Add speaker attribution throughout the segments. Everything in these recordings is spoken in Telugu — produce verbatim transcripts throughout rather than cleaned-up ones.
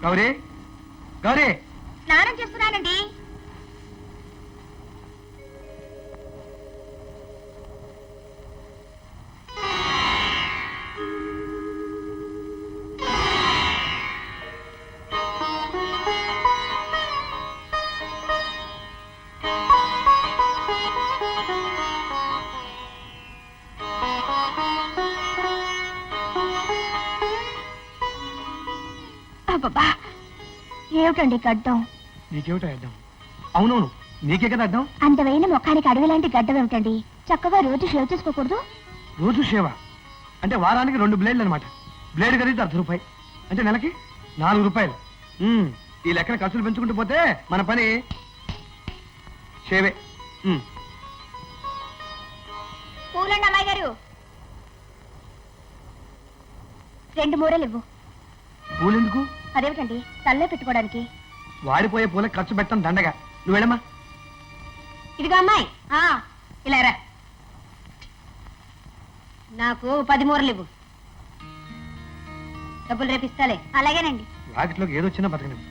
Speaker 1: గౌరీ గౌరీ
Speaker 2: స్నానం చేస్తున్నానండి. అబ్బబ్బా, ఏమిటండి గడ్డం?
Speaker 1: నీకేమిటో అడ్డం? అవునవును, నీకే కదా అడ్డం.
Speaker 2: అందమైన ముఖానికి అడవి లాంటి గడ్డం ఏమిటండి? చక్కగా రోజు షేవ్ చేసుకోకూడదు?
Speaker 1: రోజు షేవ అంటే వారానికి రెండు బ్లేడ్లు అనమాట. బ్లేడ్ ఖరీదు అర్ధ రూపాయి అంటే నెలకి నాలుగు రూపాయలు. ఉమ్, ఈ లెక్కన ఖర్చులు పెంచుకుంటూ పోతే మన పని షేవే. ఉమ్.
Speaker 2: పూలండి అమ్మాయి గారు, రెండు మూరలు ఇవ్వు.
Speaker 1: పూలెందుకు?
Speaker 2: అదేమిటండి, తల్లో పెట్టుకోవడానికి.
Speaker 1: వాడిపోయే పూల ఖర్చు పెట్టడం దండగా. నువ్వు వెళ్ళమ్మా.
Speaker 2: ఇదిగా అమ్మాయి, ఇలా రా. నాకు పది మూరలు ఇవ్వు. డబ్బులు రేపిస్తాలే. అలాగేనండి.
Speaker 1: వాకిట్లోకి ఏదొచ్చినా బతకనివ్వు.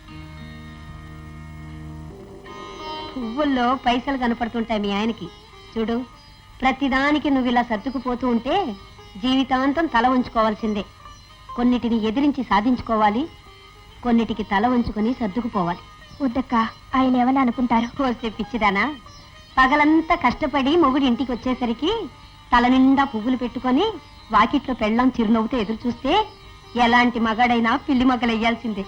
Speaker 2: పువ్వుల్లో పైసలు కనపడుతుంటాయి మీ ఆయనకి. చూడు, ప్రతిదానికి నువ్వు ఇలా సర్దుకుపోతూ ఉంటే జీవితాంతం తల ఉంచుకోవాల్సిందే. కొన్నిటిని ఎదిరించి సాధించుకోవాలి, కొన్నిటికి తల ఉంచుకొని సర్దుకుపోవాలి. వద్దక్క, ఆయన ఏమని అనుకుంటారు? వస్తే పిచ్చిదానా, పగలంతా కష్టపడి మొగుడు ఇంటికి వచ్చేసరికి తల నిండా పువ్వులు పెట్టుకొని వాకిట్లో పెళ్ళం చిరునవ్వుతో ఎదురు చూస్తే ఎలాంటి మగాడైనా పిల్లి మగ్గలెయ్యాల్సిందే.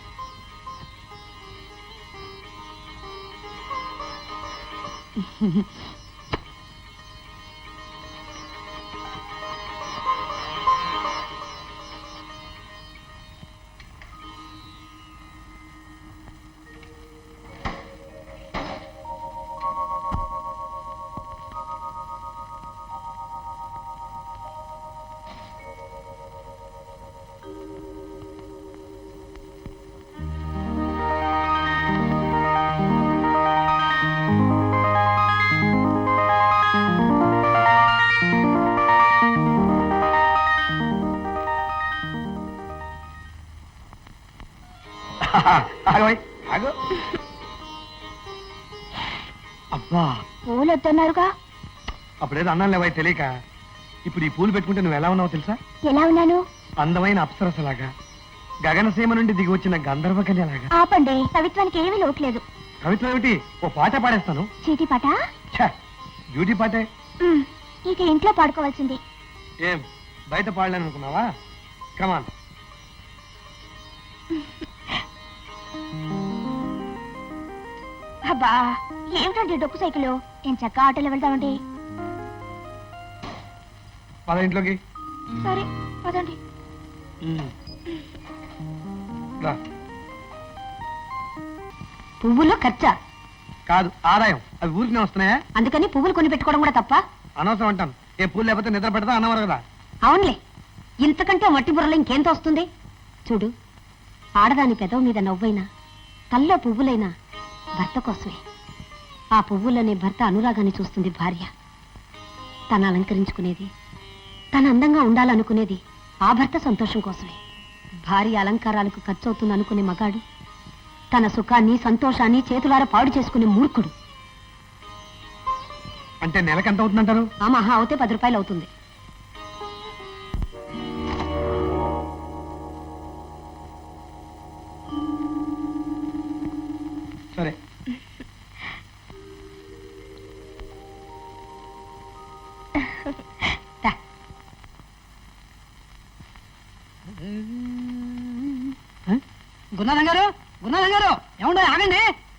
Speaker 1: అబ్బా,
Speaker 2: పూలు వద్దన్నారుగా.
Speaker 1: అప్పుడేదో అన్నాను లేవా తెలియక. ఇప్పుడు ఈ పూలు పెట్టుకుంటే నువ్వు ఎలా ఉన్నావో తెలుసా?
Speaker 2: ఎలా ఉన్నాను?
Speaker 1: అందమైన అప్సరసలాగా, గగనసీమ నుండి దిగి వచ్చిన గంధర్వ కన్యలాగా.
Speaker 2: ఆపండి, కవిత్వానికి ఏమీ లోట్లేదు.
Speaker 1: కవిత్వం ఏమిటి? ఓ పాట పాడేస్తాను.
Speaker 2: చీటీ పాట?
Speaker 1: బ్యూటీ పాటే.
Speaker 2: ఇక ఇంట్లో పాడుకోవాల్సింది.
Speaker 1: ఏం బయట పాడలేను అనుకున్నావా? కమాన్.
Speaker 2: అబ్బా, ఏమిటండి డొక్కు సైకిల్? ఏం చక్క ఆటోలో వెళ్తామండి.
Speaker 1: పద ఇంట్లోకి.
Speaker 2: సరే పదండి. పువ్వులు ఖర్చా
Speaker 1: కాదు, ఆదాయం. అవి ఊరికనే వస్తున్నాయా?
Speaker 2: అందుకని పువ్వులు కొని పెట్టుకోవడం కూడా తప్ప?
Speaker 1: అనవసరం అంటాను. ఏ పూలు లేకపోతే నిద్ర పెడతా అన్నవారు కదా.
Speaker 2: అవునులే, ఇంతకంటే మట్టి బుర్రలో ఇంకేంత వస్తుంది? చూడు, ఆడదాని పెదవు మీద నవ్వైనా తల్లో పువ్వులైనా భర్త కోసమే. ఆ పువ్వులనే భర్త అనురాగాన్ని చూస్తుంది భార్య. తను అలంకరించుకునేది, తను అందంగా ఉండాలనుకునేది ఆ భర్త సంతోషం కోసమే. భార్య అలంకారాలకు ఖర్చు అవుతుంది అనుకునే మగాడు తన సుఖాన్ని సంతోషాన్ని చేతులారా పాడు చేసుకునే మూర్ఖుడు.
Speaker 1: అంటే నెలకు ఎంత అవుతుందంటారు?
Speaker 2: ఆ మహా అవుతే పది రూపాయలు అవుతుంది.
Speaker 1: సరే.
Speaker 3: గురునాథం గారు, గురునాథం గారు, ఏముండో ఆగండి.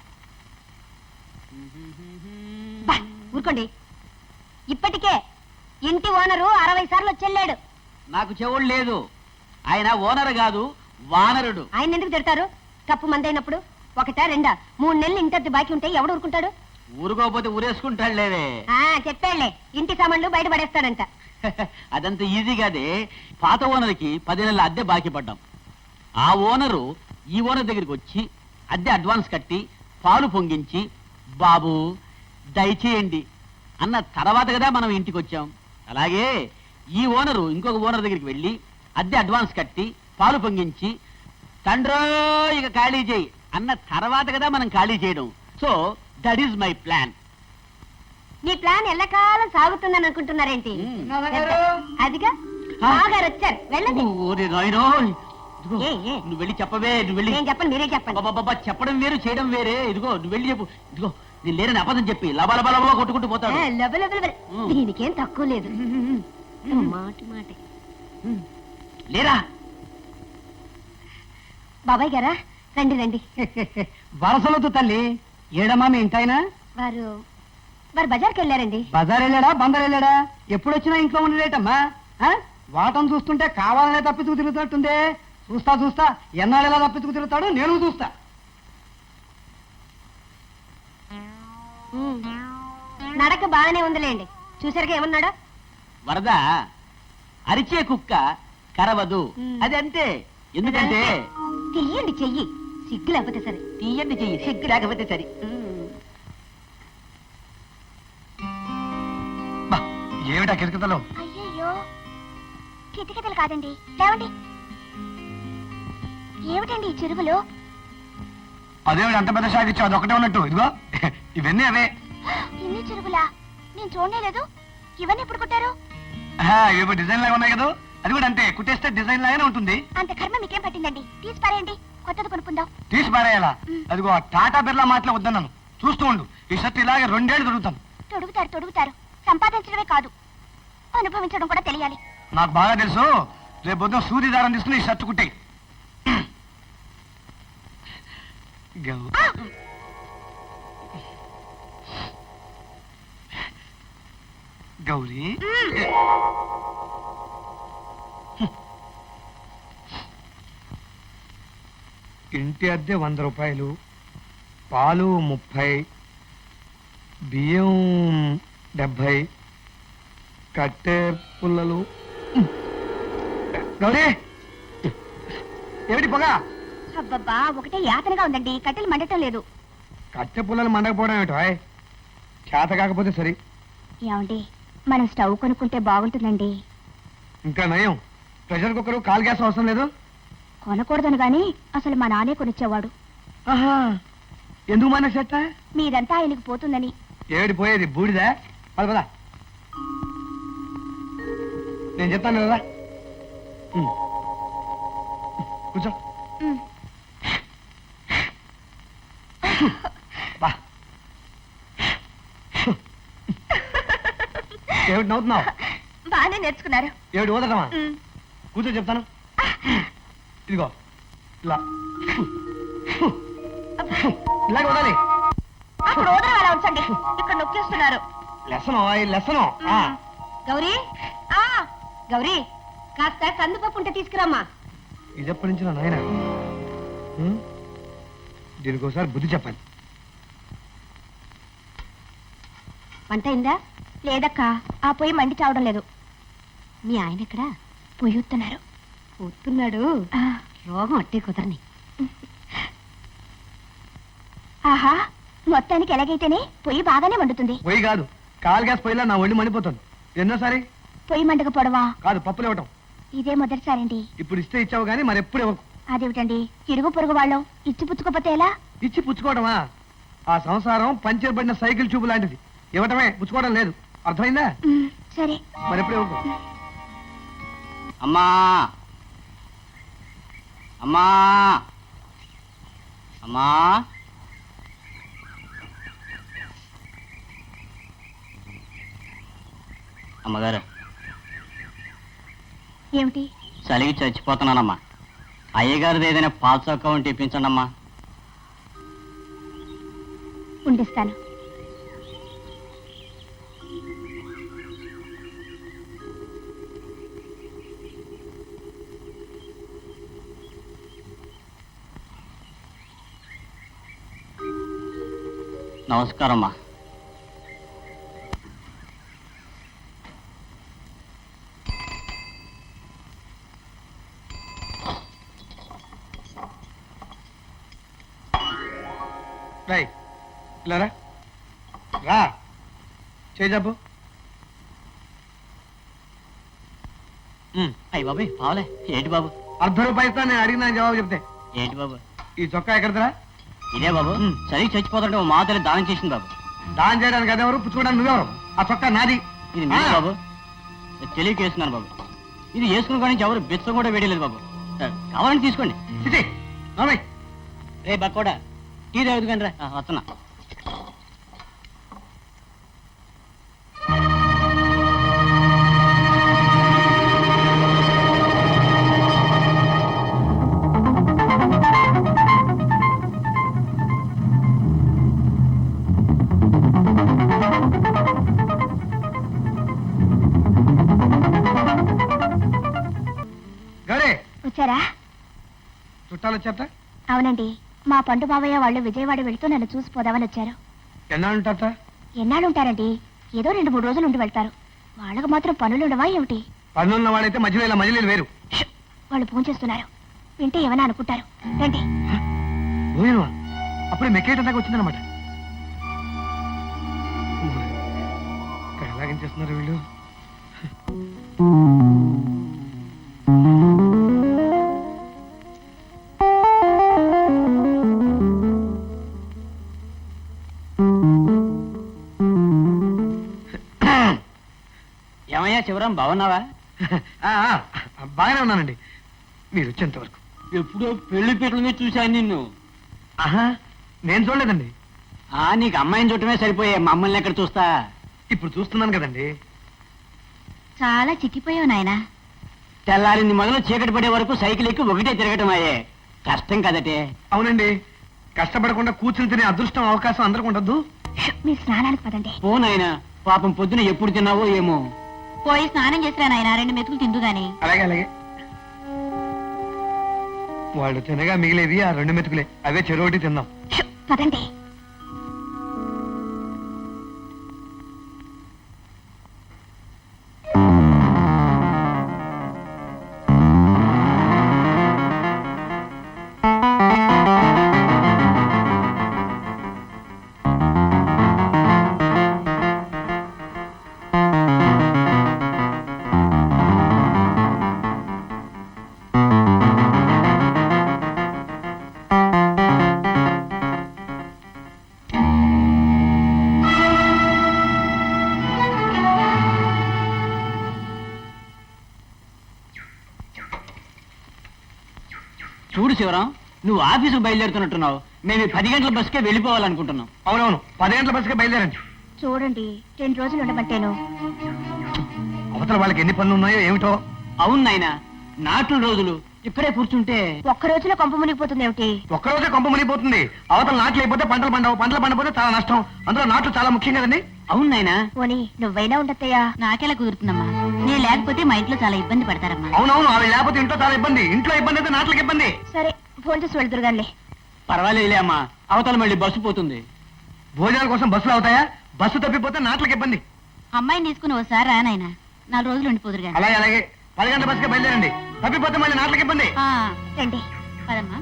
Speaker 2: ఊరుకోండి, ఇప్పటికే ఇంటి ఓనరు అరవై సార్లు వచ్చెళ్ళాడు.
Speaker 3: నాకు చెవుడు లేదు. ఆయన ఓనర్ కాదు, వానరుడు.
Speaker 2: ఆయన ఎందుకు తిడతారు? కప్పు మందైనప్పుడు ఒకటా రెండా మూడు నెలలు ఇంటి బాకీ ఉంటే ఎవడు ఊరుకుంటాడు?
Speaker 3: ఊరుకోకపోతే ఊరేసుకుంటాడు లేవే.
Speaker 2: చెప్పాళ్లే, ఇంటి సామాన్లు బయట పడేస్తాడంట.
Speaker 3: అదంత ఈజీ కాదే. పాత ఓనర్కి పది నెలల అద్దె బాకీ పడ్డాం. ఆ ఓనరు ఈ ఓనర్ దగ్గరికి వచ్చి అద్దె అడ్వాన్స్ కట్టి పాలు పొంగించి బాబు దయచేయండి అన్న తర్వాత కదా మనం ఇంటికి వచ్చాం. అలాగే ఈ ఓనరు ఇంకొక ఓనర్ దగ్గరికి వెళ్ళి అద్దె అడ్వాన్స్ కట్టి పాలు పొంగించి తండ్రో ఇక ఖాళీ చేయి అన్న తర్వాత కదా మనం ఖాళీ చేయడం. So that is my plan.
Speaker 2: మీ ప్లాన్ ఎల్లకాలం సాగుతుందని అనుకుంటున్నారేంటి?
Speaker 1: నాన్నగారు!
Speaker 2: అదిగా
Speaker 3: ఆ?
Speaker 2: బాగారు వచ్చారు, వెళ్ళండి.
Speaker 3: ఓరి నాయనో, ఇదిగో,
Speaker 2: ఏ, ఏ?
Speaker 3: నువ్వు వెళ్ళి చెప్పవే, నువ్వు వెళ్ళి.
Speaker 2: నేను చెప్పండి, మీరే చెప్పండి.
Speaker 3: అబ్బబ్బబ్బా, చెప్పడం వేరు చేయడం వేరే. ఇదిగో నువ్వు వెళ్ళి చెప్పు. ఇదిగో నేను లేరని అబద్ధం చెప్పి లబ లబ లబ కొట్టుకుంటూ పోతాడు.
Speaker 2: ఏ, లబ లబ లబ.
Speaker 3: ఉమ్.
Speaker 2: దీనికేం తక్కువ లేదు. మాటి మాట.
Speaker 3: లేరా?
Speaker 2: బాబాయ్ గారా, రండి రండి.
Speaker 1: వరసలతో తల్లి ఏడమ్మా మీ ఇంటాయన
Speaker 2: వారు వారు బజార్కి వెళ్ళారండి.
Speaker 1: బజార్ వెళ్ళాడా బందర్ వెళ్ళాడా? ఎప్పుడు వచ్చినా ఇంట్లో ఉండలేటమ్మా. ఆ? వాటం చూస్తుంటే కావాలనే తప్పించుకు తిరుగుతున్నట్టుందే. చూస్తా చూస్తా ఎన్నాళ్ళు ఎలా తప్పించుకు తిరుగుతాడు నేను చూస్తా.
Speaker 2: ఉమ్. నడక బాగానే ఉందిలేండి. చూసారుగా ఏమన్నాడా?
Speaker 3: వరద అరిచే కుక్క కరవదు.
Speaker 2: ఉమ్.
Speaker 3: అది అంతే. ఎందుకంటే
Speaker 2: తీయండి చెయ్యి, సిగ్గు లేకపోతే సరే.
Speaker 3: తీయండి చెయ్యి, సిగ్గు లేకపోతే సరి.
Speaker 2: ఉమ్.
Speaker 1: ఏమిటా కిరకతలో?
Speaker 4: అయ్యయ్యో, కితకితలు కాదండి, లేవండి. ఏమిటండి ఈ చెరువులో?
Speaker 1: అదేమిటి అంత పెద్ద షాక్ ఇచ్చావు? అదొకటే ఉన్నట్టు. ఇదిగో ఇవన్నీ అవే.
Speaker 4: ఇన్ని చెరువులా? నేను చూడలేదు. ఇవన్నీ ఎప్పుడు కుట్టారు?
Speaker 1: ఇవి డిజైన్ లాగా ఉన్నాయి కదా, అది కూడా అంతే. కుట్టేస్తే డిజైన్ లాగానే ఉంటుంది.
Speaker 4: అంత కర్మ మీకేం పట్టిందండి? తీసి పారేయండి, కొత్తది కొనుక్కుందాం.
Speaker 1: తీసి పారేయాలా? అదిగో ఆ టాటా బిర్లా మాటలు వద్దన్నాను. చూస్తూ ఉండు, ఈ షర్ట్ ఇలాగే రెండేళ్ళు దొరుకుతాను.
Speaker 4: తొడుగుతారు తొడుగుతారు, సంపాదించడమే కాదు అనుభవించడం కూడా తెలియాలి.
Speaker 1: నాకు బాగా తెలుసు. రేపు పొద్దున సూది దారం తీసుకుని ఈ షర్ట్ కుట్టే. గౌరీ, ఇంటి అద్దె వంద రూపాయలు, పాలు ముప్పై, బియ్యం డెబ్భై, కట్టె పుల్లలు. గౌరీ, ఏమిటి పొగ?
Speaker 4: అబ్బబ్బా, ఒకటే యాతనగా ఉందండి, కట్టెలు మండటం లేదు.
Speaker 1: కట్టె పుల్లలు మండకపోవడం ఏమిటో? చేత కాకపోతే సరి.
Speaker 4: ఏమండి, మనం స్టవ్ కొనుక్కుంటే బాగుంటుందండి.
Speaker 1: ఇంకా నయం, ప్రెషర్ కుక్కరు కాల్ గ్యాస్ అవసరం లేదు.
Speaker 4: కొనకూడదని గాని అసలు మా నానే కొనిచ్చేవాడు.
Speaker 1: ఆహా, ఎందుకు మన చెట్ట?
Speaker 4: మీదంతా ఆయనకు పోతుందని.
Speaker 1: ఏమిటి పోయేది? బూడిదా? పద పద, నేను చెప్తాను కదా. ఉమ్. కూర్చో.
Speaker 4: ఉమ్.
Speaker 1: బా, ఏమిటి నవ్వుతున్నావు?
Speaker 4: బాగానే నేర్చుకున్నారు.
Speaker 1: ఏమిటి ఊదటమా?
Speaker 4: ఉమ్.
Speaker 1: కూర్చో చెప్తాను. ఇదిగో ఇలా ఇలాగ వదాలి.
Speaker 4: అక్కడ ఓదరం అలా ఉంచండి, ఇక్కడ నొక్కేస్తున్నారు.
Speaker 1: Lesson lesson.
Speaker 2: గౌరీ,
Speaker 4: ఆ,
Speaker 2: గౌరీ, కాస్త కందిపప్పు ఉంటే తీసుకురామ్మా.
Speaker 1: ఇది ఎప్పటి నుంచి నా నాయన? ఉమ్, దీనికి ఒకసారి బుద్ధి చెప్పాలి.
Speaker 2: వంట అయిందా?
Speaker 4: లేదక్క, ఆ పొయ్యి మండి చావడం లేదు.
Speaker 2: మీ ఆయన ఎక్కడా?
Speaker 4: పొయ్యుతున్నారు.
Speaker 2: పోతున్నాడు. రోగం అట్టే కుదరని.
Speaker 4: ఆహా, మొత్తానికి ఎలాగైతేనే పొయ్యి బాగానే మండుతుంది.
Speaker 1: పొయ్యి కాదు, కాల్ గ్యాస్ పొయ్యిలా నా ఒళ్ళు మండిపోతుంది. ఎన్నోసారి?
Speaker 4: పొయ్యి మండకపోవడమా?
Speaker 1: కాదు, పప్పులు ఇవ్వటం.
Speaker 4: ఇదే మొదటిసారండి.
Speaker 1: ఇప్పుడు ఇస్తే ఇచ్చావు కానీ మరి ఎప్పుడు ఇవ్వకు.
Speaker 4: అదేమిటండి, ఇరుగు పొరుగు వాళ్ళం ఇచ్చి పుచ్చుకోపోతే ఎలా?
Speaker 1: ఇచ్చి పుచ్చుకోవడమా? ఆ సంసారం పంచర్ పడిన సైకిల్ చూపు లాంటిది. ఇవ్వటమే, పుచ్చుకోవడం లేదు. అర్థమైందా?
Speaker 4: ఉమ్, సరే.
Speaker 1: మరి ఎప్పుడు ఇవ్వకు.
Speaker 3: అమ్మా అమ్మా అమ్మా అమ్మగారు,
Speaker 4: ఏమిటి?
Speaker 3: చలికి చచ్చిపోతున్నానమ్మా. అయ్యగారిది ఏదైనా పాల చొక్కా ఉంటే ఇప్పించండి అమ్మా.
Speaker 4: ఉండిస్తాను.
Speaker 3: నమస్కారం అమ్మా.
Speaker 1: రాయ్, ఇలా రా. రా, చేయి చెప్పు.
Speaker 3: అయ్యి బాబు పావులే. ఏంటి బాబు?
Speaker 1: అర్ధ రూపాయి ఇస్తా, నేను అడిగిన జవాబు చెప్తే.
Speaker 3: ఏంటి బాబు?
Speaker 1: ఈ చొక్కా ఎక్కడదరా?
Speaker 3: ఇదే బాబు.
Speaker 1: ఉమ్.
Speaker 3: చదివి చచ్చిపోతుంటే మా మాతల్లి దానం చేసింది బాబు.
Speaker 1: దానం చేయడానికి అదెవరు, పుచ్చుకోవడానికి నువ్వెవరు? ఆ చొక్కా నాది.
Speaker 3: ఇది నేను
Speaker 1: ఆ.
Speaker 3: బాబు తెలియక వేసుకున్నాను బాబు. ఇది వేసుకున్న కానీ ఎవరు బెచ్చం కూడా వేయలేదు బాబు. కావాలని తీసుకోండి.
Speaker 1: చిచి, నోర్మై.
Speaker 3: రే బక్కోడా టీ తాగుదు కానీ రా. ఆ, వస్తున్నా.
Speaker 1: గౌరీ,
Speaker 4: వచ్చారా?
Speaker 1: చుట్టాలు వచ్చారట?
Speaker 4: అవునండి, మా పండు బాబయ్య వాళ్ళు విజయవాడ వెళ్తూ నన్ను చూసిపోదామని వచ్చారు.
Speaker 1: ఎన్నాళ్ళు ఉంటారట?
Speaker 4: ఎన్నాళ్ళు ఉంటారండి? ఏదో రెండు మూడు రోజులు ఉండి వెళ్తారు. వాళ్ళకు మాత్రం పనులు ఉండవా ఏమిటి?
Speaker 1: పనులున్న వాడైతే మధ్యలో ఇలా మధ్యలో వేరు.
Speaker 4: ష్! వాళ్ళు ఫోన్ చేస్తున్నారు, వింటే ఏమైనా అనుకుంటారు. రండి.
Speaker 1: భోజనమా? అప్పుడే మెక్కేయటం దాకా వచ్చిందనమాట. ఇక్కడ ఎలాగేం చేస్తున్నారు వీళ్ళు?
Speaker 3: ఏమయ్యా శివరాం, బాగున్నావా?
Speaker 1: ఆ, ఆ, బాగానే ఉన్నానండి మీరు వచ్చేంత వరకు.
Speaker 3: ఎప్పుడో పెళ్లి పీటల మీద చూశాను నిన్ను.
Speaker 1: ఆహా, నేను చూడలేదండి.
Speaker 3: ఆ నీకు అమ్మాయిని చూడటమే సరిపోయే, మమ్మల్ని ఎక్కడ చూస్తా.
Speaker 1: ఇప్పుడు చూస్తున్నాను కదండి.
Speaker 4: చాలా చిక్కిపోయావు నాయనా.
Speaker 3: తెల్లారింది మొదలు చీకటి పడే వరకు సైకిల్ ఎక్కి ఒకటే తిరగటం అయ్యే. కష్టం కదటే.
Speaker 1: అవునండి, కష్టపడకుండా కూర్చుని తినే అదృష్టం అవకాశం అందరికి ఉండద్దు.
Speaker 4: ష్! మీరు స్నానానికి పదండి.
Speaker 3: పో నాయనా, పాపం పొద్దున ఎప్పుడు తిన్నావో ఏమో.
Speaker 4: పోయి స్నానం చేసిరా నాయనా, రెండు మెతుకులు తిందు గాని.
Speaker 1: అలాగే అలాగే. వాళ్ళు తినగా మిగిలేవి ఆ రెండు మెతుకులే, అవే చెరువుటి తిందాం.
Speaker 4: ష్! పదండి.
Speaker 3: చూడు శివరాం, నువ్వు ఆఫీసుకు బయలుదేరుతున్నట్టున్నావు. మేము ఈ పది గంటల బస్కే వెళ్ళిపోవాలనుకుంటున్నాం.
Speaker 1: అవునవును, పది గంటల బస్సుకే బయలుదేరండి.
Speaker 4: చూడండి, రెండు రోజులు ఉండమంటేను.
Speaker 1: అవతల వాళ్ళకి ఎన్ని పనులు ఉన్నాయో ఏమిటో.
Speaker 3: అవును నాయనా, నాట్లు రోజులు ఇక్కడే కూర్చుంటే
Speaker 4: ఒక్క రోజులో కొంప మునిగిపోతుంది ఏమిటి?
Speaker 1: ఒక్కరోజే కొంప మునిగిపోతుంది. అవతల నాట్లు అయిపోతే పంటలు పండవు, పంటలు పండపోతే చాలా నష్టం. అందులో నాట్లు చాలా ముఖ్యం కదండి.
Speaker 3: అవును నాయనా.
Speaker 4: పోనీ నువ్వైనా ఉండత్తయ్యా. నాకెలా కుదురుతుందమ్మా, నేను లేకపోతే మా ఇంట్లో చాలా ఇబ్బంది పడతారమ్మా.
Speaker 1: అవునవును, ఆవిడ లేకపోతే ఇంట్లో చాలా ఇబ్బంది. ఇంట్లో ఇబ్బంది అయితే నాట్లకి ఇబ్బంది.
Speaker 4: సరే, ఫోన్ చేసి వెళ్తురు గానిలే.
Speaker 3: పర్వాలేదులే అమ్మా, అవతల మళ్ళీ బస్సు పోతుంది.
Speaker 1: భోజనాల కోసం బస్సులు అవుతాయా? బస్సు తప్పిపోతే నాట్లకి ఇబ్బంది.
Speaker 4: అమ్మాయిని తీసుకుని ఓసారి రా నాయనా, నాలుగు రోజులు ఉండిపోదురు గాని.
Speaker 1: అలాగే అలాగే, పది గంటల బస్సుకే బయలుదేరండి. తప్పిపోతే మళ్ళీ నాట్లకి ఇబ్బంది.
Speaker 4: రండి, పదమ్మా.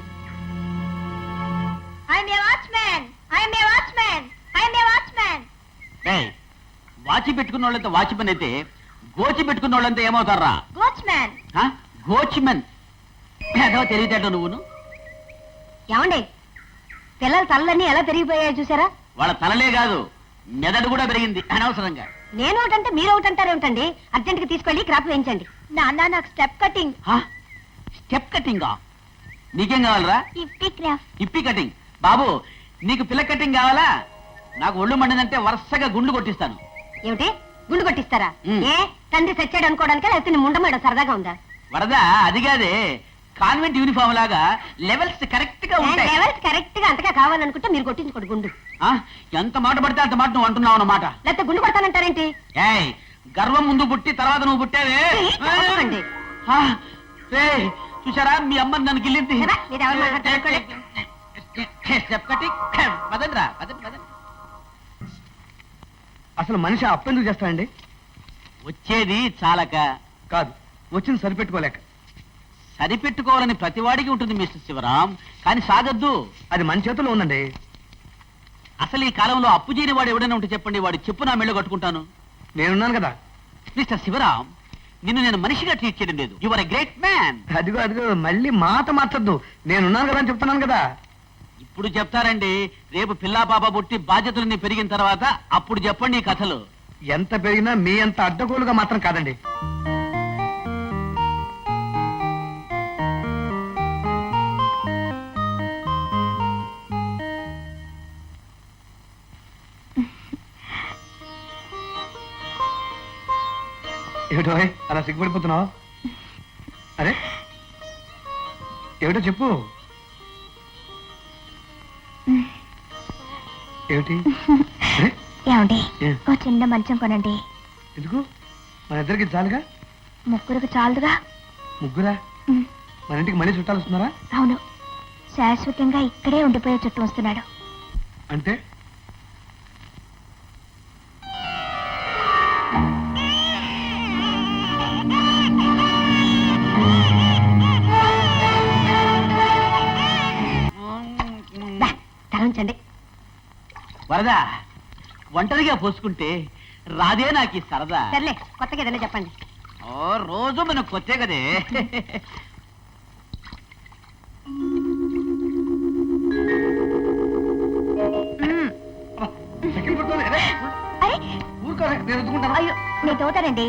Speaker 4: I'm a watchman, I'm a watchman, I'm a watchman.
Speaker 3: ఏయ్, వాచి పెట్టుకున్న వాళ్ళంతా వాచ్మెన్ అయితే గోచి పెట్టుకున్న వాళ్ళంతా ఏమవుతారా?
Speaker 4: వాచ్మ్యాన్.
Speaker 3: గోచ్మెన్. ఏదో తెలియదేట నువ్వును.
Speaker 2: ఏమండి, పిల్లల తలలన్నీ ఎలా పెరిగిపోయాయో చూసారా?
Speaker 3: వాళ్ళ తలలే కాదు, మెదడు కూడా పెరిగింది అనవసరంగా.
Speaker 2: నేను ఒకటంటే మీరు ఒకటంటారేమిటండి? అర్జెంట్గా తీసుకెళ్ళి క్రాప్ వేయించండి.
Speaker 4: నాన్న, నాకు స్టెప్ కటింగ్.
Speaker 3: స్టెప్ కటింగా? నీకేం కావాలరా?
Speaker 4: ఇప్పి క్రాఫ్.
Speaker 3: ఇప్పి కటింగ్. బాబు, నీకు పిల్ల కటింగ్ కావాలా? నాకు ఒళ్ళు మండిందంటే వరుసగా గుండు కొట్టిస్తాను.
Speaker 2: ఏమిటి, గుండు కొట్టిస్తారా?
Speaker 3: ఉమ్.
Speaker 2: ఏ తండ్రి చచ్చాడు అనుకోవడానికి, లేకపోతే నీ ముండమేడ సరదాగా ఉందా?
Speaker 3: వరదా, అది కాదే, కాన్వెంట్ యూనిఫామ్ లాగా లెవెల్స్ కరెక్ట్ గా ఉంటాయి.
Speaker 2: లెవెల్స్ కరెక్ట్ గా అంతగా కావాలనుకుంటే మీరు కొట్టించుకోండి గుండు.
Speaker 3: ఆ, ఎంత మాట పడితే అంత మాట నువ్వు అంటున్నావు అన్నమాట.
Speaker 2: లేకపోతే గుండు కొడతానంటారేంటి?
Speaker 3: ఏయ్, గర్వం ముందు పుట్టి తర్వాత నువ్వు పుట్టావే.
Speaker 2: చెప్పకండి.
Speaker 3: ఆ, రేయ్, చూసారా మీ అమ్మ నన్ను గిల్లింది.
Speaker 2: కదా, మీరు ఎవరు మాట్లాడతారు?
Speaker 3: Step cutting. పదండ్రా, పదండి పదండి.
Speaker 1: అసలు మనిషి అప్పెందుకు చేస్తాడండి?
Speaker 3: వచ్చేది చాలక
Speaker 1: కాదు, వచ్చింది సరిపెట్టుకోలేక.
Speaker 3: సరిపెట్టుకోవాలని ప్రతివాడికి ఉంటుంది మిస్టర్ శివరాం, కానీ సాగద్దు.
Speaker 1: అది మన చేతిలో ఉందండి.
Speaker 3: అసలు ఈ కాలంలో అప్పు చేయని వాడు ఎవడైనా ఉంటే చెప్పండి, వాడు చెప్పు నా మెళ్ళో కట్టుకుంటాను.
Speaker 1: నేనున్నాను కదా.
Speaker 3: మిస్టర్ శివరాం, నిన్ను నేను మనిషిగా ట్రీట్ చేయడం లేదు. You are a great man.
Speaker 1: అదిగో అదిగో మళ్ళీ మాట మార్చొద్దు. నేనున్నాను కదా అని చెప్తున్నాను కదా.
Speaker 3: ఇప్పుడు చెప్తారండి, రేపు పిల్లా పాప పుట్టి బాధ్యతలన్నీ పెరిగిన తర్వాత అప్పుడు చెప్పండి ఈ కథలు.
Speaker 1: ఎంత పెరిగినా మీ అంత అడ్డగోలుగా మాత్రం కాదండి. ఏమిటో అలా సిగ్గుపడిపోతున్నావు? అరే ఏమిటో చెప్పు. ఏమిటి? అరే
Speaker 4: ఏమండి
Speaker 1: ఏ?
Speaker 4: ఓ చిన్న మంచం కొనండి.
Speaker 1: ఎందుకు? మన ఇద్దరికి చాలుగా.
Speaker 4: ముగ్గురికి చాలుదుగా.
Speaker 1: ముగ్గురా?
Speaker 4: ఉమ్,
Speaker 1: మన ఇంటికి మళ్ళీ చుట్టాలు వస్తున్నారా?
Speaker 4: అవును, శాశ్వతంగా ఇక్కడే ఉండిపోయే చుట్టూ వస్తున్నాడు.
Speaker 1: అంటే
Speaker 2: దా, తల ఉంచండి.
Speaker 3: వరదా, ఒంటరిగా పోసుకుంటే రాదే నాకు ఈ సరదా.
Speaker 2: సర్లే, కొత్తగా ఏదైనా చెప్పండి.
Speaker 3: ఓ రోజు మనకు కొత్తే కదే.
Speaker 4: ఉమ్,
Speaker 1: సెకండ్ పడుతుంది. అరే
Speaker 4: అరే
Speaker 1: ఊరుకోరా, నేను రుద్దుకుంటాను.
Speaker 4: అయ్యో నేను తోతానండి.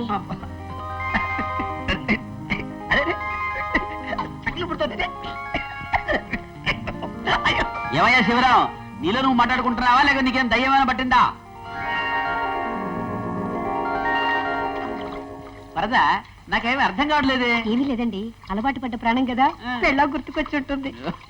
Speaker 1: అరే అరే, సెకండ్ పడుతుంది. అయ్యో.
Speaker 3: ఏమయ్యా శివరాం, నీలో నువ్వు మాట్లాడుకుంటున్నావా లేక నీకేం దయ్యమైనా పట్టిందా? వరదా, నాకేమీ అర్థం కావట్లేదే.
Speaker 2: ఏమీ లేదండి, అలవాటు పడ్డ ప్రాణం కదా,
Speaker 3: ఆ.
Speaker 2: పెళ్ళా గుర్తుకొచ్చి ఉంటుంది.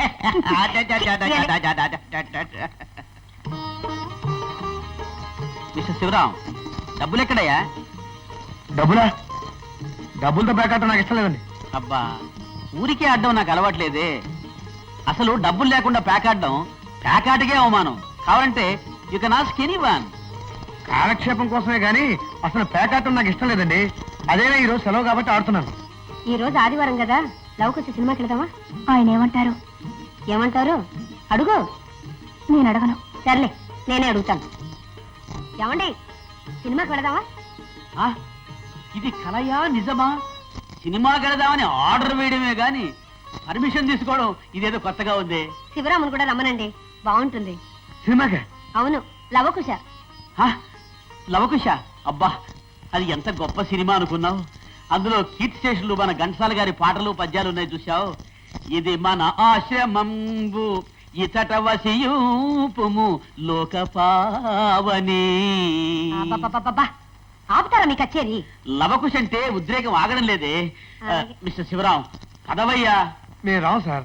Speaker 3: మిస్టర్ శివరాం, డబ్బులు ఎక్కడయ్యా?
Speaker 1: డబ్బులా? డబ్బులతో బ్యాకట్ నాకు ఇష్టం లేదండి.
Speaker 3: అబ్బా, ఊరికే ఆడడం నాకు అలవాట్లేదే. అసలు డబ్బులు లేకుండా ప్యాకాడడం ప్యాకాటకే అవమానం. కావాలంటే యు కెన్ ఆస్క్ ఎనీవన్.
Speaker 1: కాలక్షేపం కోసమే గానీ అసలు పేకాటం నాకు ఇష్టం లేదండి. అదేనా ఈ రోజు సెలవు కాబట్టి ఆడుతున్నాను.
Speaker 2: ఈ రోజు ఆదివారం కదా, లవకొచ్చి సినిమాకి వెళదామా?
Speaker 4: ఆయన ఏమంటారు?
Speaker 2: ఏమంటారు? అడుగు.
Speaker 4: నేను అడగను.
Speaker 2: సర్లే, నేనే అడుగుతాను. ఏమండి, సినిమాకి వెళదామా?
Speaker 3: ఆ, ఇది కలయా నిజమా? సినిమా వెళదామని ఆర్డర్ వేయడమే గాని పర్మిషన్ తీసుకోవడం ఇదేదో కొత్తగా ఉంది.
Speaker 2: శివరామును కూడా రమ్మనండి, బాగుంటుంది.
Speaker 1: సినిమాకే?
Speaker 2: అవును, లవకుశ.
Speaker 3: ఆ, లవకుశ. అబ్బా, అది ఎంత గొప్ప సినిమా అనుకున్నావు. అందులో కీర్తి స్టేషన్లు మన ఘంటసాల గారి పాటలు పద్యాలు ఉన్నాయి చూసావు. ఇది మన ఆశ్రమంబు ఇతట వసియూపుము లోక పావని.
Speaker 2: అబ్బబ్బబ్బబ్బబ్బా, ఆపుతారా మీ కచ్చేరి?
Speaker 3: లవకుశ అంటే ఉద్రేకం ఆగడం లేదే. ఆ,
Speaker 2: అలాగే.
Speaker 3: మిస్టర్ శివరాం, పదవయ్యా.
Speaker 1: మేము రావు సార్.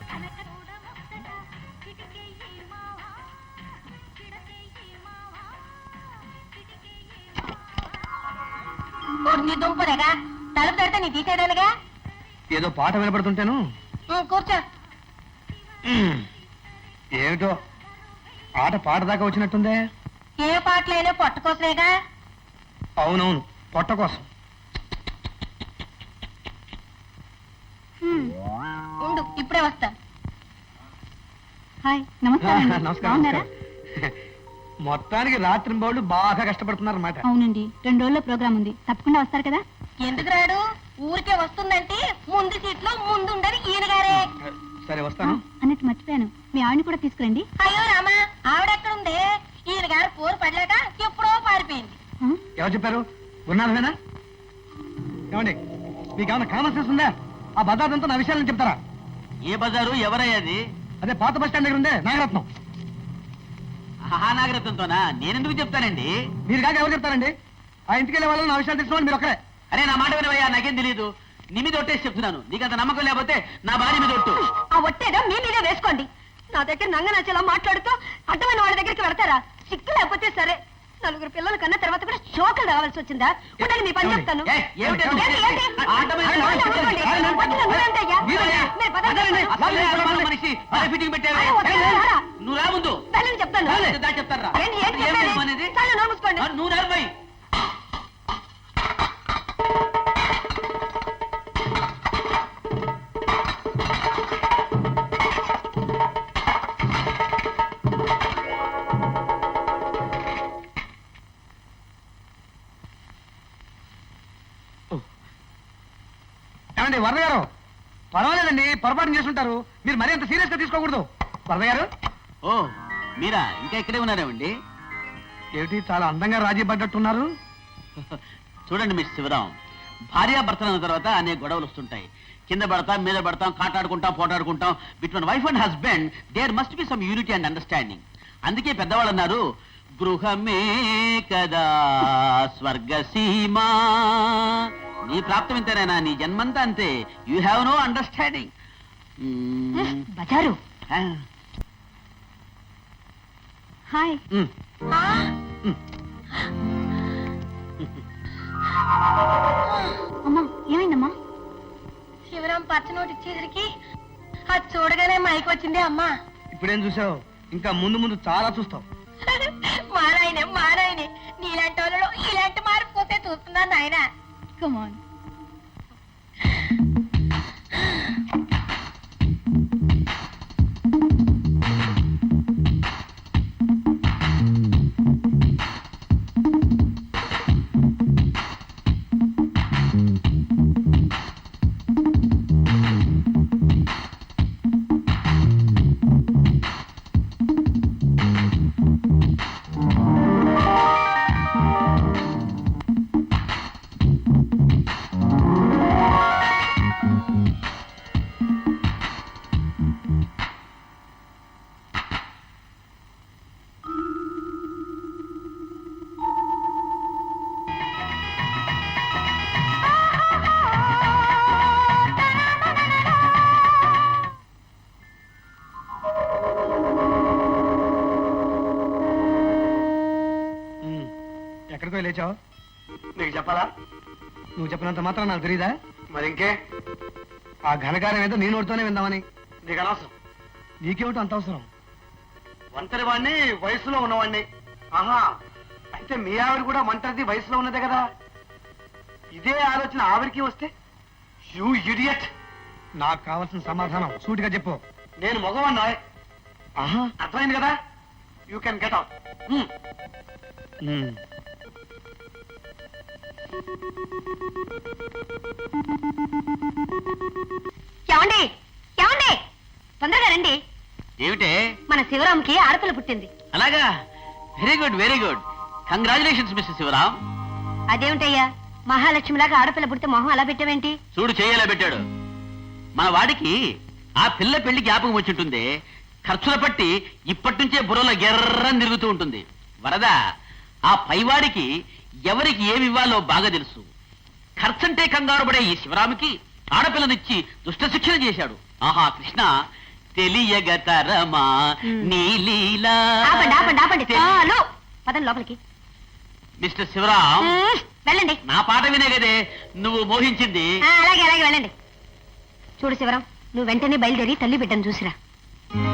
Speaker 2: నీ దుంపదేగా, తలుపు తడితే నీ తీసేదానిగా.
Speaker 1: ఏదో పాట వినపడుతుంటాను.
Speaker 2: కూర్చో.
Speaker 1: ఏమిటో ఆట పాట దాకా వచ్చినట్టుందే.
Speaker 2: ఏ పాటలైనా పట్టుకోసలేగా.
Speaker 1: అవునవును, పొట్ట కోసం.
Speaker 2: ఉండు, ఇప్పుడే వస్తా.
Speaker 4: హాయ్,
Speaker 1: నమస్కారం. నమస్కారం. మొత్తానికి రాత్రి బౌళ్ళు బాగా కష్టపడుతున్నారు అన్నమాట.
Speaker 4: అవునండి, రెండు రోజుల్లో ప్రోగ్రామ్ ఉంది, తప్పకుండా వస్తారు కదా?
Speaker 2: ఎందుకు రాడు? ఊరికే వస్తుందంటే ముందు సీట్లో ముందుండని ఈయనగారే.
Speaker 1: సరే వస్తాను.
Speaker 4: అన్నట్టు మర్చిపోయాను, మీ ఆవిడని కూడా తీసుకురండి.
Speaker 2: అయ్యో రామా, ఆవిడెక్కడుంది? ఈయన గారు పోరు పడలేక ఎప్పుడో పారిపోయింది.
Speaker 4: ఆ?
Speaker 1: ఎవరు చెప్పారు? ఉన్నాను. ఏమండి, మీకు ఏమైనా కామన్ సెన్స్ ఉందా? ఆ భద్రాదంతా నా విషయాలను చెప్తారా?
Speaker 3: ఏ బజారు, ఎవరయ్యాది?
Speaker 1: అదే పాత బస్ స్టాండ్ దగ్గర ఉందే నాగరత్నం.
Speaker 3: ఆ నాగరత్నంతోనా? నేనెందుకు చెప్తానండి?
Speaker 1: మీరు కాక ఎవరు చెప్తారండి? ఆ ఇంటికి వెళ్ళే వాళ్ళు నా విషయాలు తెలుసుకోండి మీరు ఒక్కరే.
Speaker 3: అరే నా మాట వినవయ్యా, నాకేం తెలియదు. నీ మీద ఒట్టేసి చెప్తున్నాను. నీకంత నమ్మకం లేకపోతే నా భార్య మీద ఒట్టు.
Speaker 2: ఆ ఒట్టేదో మీ మీదే వేసుకోండి. నా దగ్గర నంగ నచ్చేలా మాట్లాడుతూ అడ్డమైన వాళ్ళ దగ్గరికి వెళ్తారా? సిక్కు లేకపోతే సరే. నలుగురు పిల్లలు కన్నా తర్వాత కూడా షోకులు రావాల్సి వచ్చిందా? ఉండండి, మీ పని చెప్తాను.
Speaker 3: ఏయ్, ఏమిటి అది?
Speaker 2: ఏంటి, ఏంటి?
Speaker 3: ఆటమైన
Speaker 2: ఆగండి,
Speaker 3: వాడు
Speaker 2: ఆగండి,
Speaker 3: చెప్పండి.
Speaker 2: వద్దు, నువ్వేంటి అయ్యా?
Speaker 3: మీరయ్యా?
Speaker 2: మీరు పదండి.
Speaker 3: అసలే అనుమానం మనిషి, భలే ఫిట్టింగ్ పెట్టావే.
Speaker 2: అరే, వద్దు, రారా.
Speaker 3: నువ్వు రా ముందు.
Speaker 2: వెళ్ళండి, చెప్తాను.
Speaker 3: దా చెప్తారా?
Speaker 2: ఏంటి, ఏంటి
Speaker 3: ఏం
Speaker 2: చెప్పేది?
Speaker 3: నిజం అనేది?
Speaker 2: చాలు, నోరు మూసుకోండి.
Speaker 3: ఆ, నువ్వు రారు పోయి.
Speaker 1: ఏమండి వరద గారు పర్వాలేదండి పొరపాటు చేస్తుంటారు మీరు మరీ అంత సీరియస్ గా తీసుకోకూడదు వరద గారు.
Speaker 3: ఓ మీరా ఇంకా ఇక్కడే ఉన్నారేమండి?
Speaker 1: ఏమిటి చాలా అందంగా రాజీ పడ్డట్టున్నారు.
Speaker 3: చూడండి మిస్ శివరాం, భార్యాభర్తలు అన్న తర్వాత అనేక గొడవలు వస్తుంటాయి. కింద పడతాం, మీద పడతాం, కాటాడుకుంటాం, పోటాడుకుంటాం. Between wife and husband there must be some unity and understanding. అందుకే పెద్దవాళ్ళు అన్నారు, గృహమే కదా స్వర్గసీమా. నీ ప్రాప్తం ఇంతేనా, నీ జన్మంతా అంతే. You have no understanding.
Speaker 2: బజారు హాయ్. అమ్మా ఏమైందమ్మా?
Speaker 5: శివరాం పచ్చ నోటు ఇచ్చేసరికి అది చూడగానే మైకి వచ్చింది అమ్మా.
Speaker 1: ఇప్పుడేం చూసావు, ఇంకా ముందు ముందు చాలా చూస్తావు.
Speaker 5: మా నాయనే మా నాయనే నీలాంటి వాళ్ళలో ఇలాంటి మార్పు పోతే చూస్తున్నాను నాయన. కమాన్.
Speaker 1: ఎక్కడికో లేచావు?
Speaker 6: నీకు చెప్పాలా?
Speaker 1: నువ్వు చెప్పినంత మాత్రం నాకు తెలీదా?
Speaker 6: మరి ఇంకే,
Speaker 1: ఆ ఘనకార్యం ఏదో నీ నోటితోనే విందామని.
Speaker 6: నీకు అనవసరం.
Speaker 1: నీకేమిటో అంత అవసరం?
Speaker 6: ఒంటరి వాడిని, వయసులో ఉన్నవాడిని. ఆహా, అయితే మీ ఆవిడ కూడా ఒంటరిది, వయసులో ఉన్నదే కదా. ఇదే ఆలోచన ఆవిడికి వస్తే, యూ ఇడియట్.
Speaker 1: నాకు కావాల్సిన సమాధానం సూటిగా చెప్పు.
Speaker 6: నేను మగవాడినా.
Speaker 1: ఆహా,
Speaker 6: అర్థమైంది కదా. You can get out.
Speaker 1: Um.
Speaker 2: ఏమండి ఏమండి తొందరగా రండి.
Speaker 3: ఏమిటే?
Speaker 2: మన శివరాంకి ఆడపిల్ల పుట్టింది.
Speaker 3: అలాగా? Very good very good. Congratulations mister Shivaram.
Speaker 2: అదేమిటయ్యా మహాలక్ష్మిలాగా ఆడపిల్ల పుడితే మొహం అలా పెట్టావేంటి?
Speaker 3: చూడు చేయేలా పెట్టాడు. మన వాడికి ఆ పిల్ల పెళ్లి జ్ఞాపకం వచ్చింటుంది. ఖర్చుల పట్టి ఇప్పటి నుంచే బుర్రలో గెర్రని తిరుగుతూ ఉంటుంది. వరద, ఆ పైవాడికి ఎవరికి ఏమి ఇవ్వాలో బాగా తెలుసు. ఖర్చంటే కంగారు పడే ఈ శివరాముకి ఆడపిల్లనిచ్చి దుష్ట శిక్షణ చేశాడు. ఆహా కృష్ణ, తెలియగతరమా నీ లీలా.
Speaker 2: ఆపండి ఆపండి ఆపండి చాలు. పదండి లోపలికి.
Speaker 3: మిస్టర్ శివరాం,
Speaker 2: మ్మ్, వెళ్ళండి.
Speaker 3: నా పాట వినే కదే నువ్వు మోహించింది.
Speaker 2: ఆ, అలాగే అలాగే వెళ్ళండి. చూడు శివరాం, నువ్వు వెంటనే బయలుదేరి తల్లి బిడ్డను చూసిరా.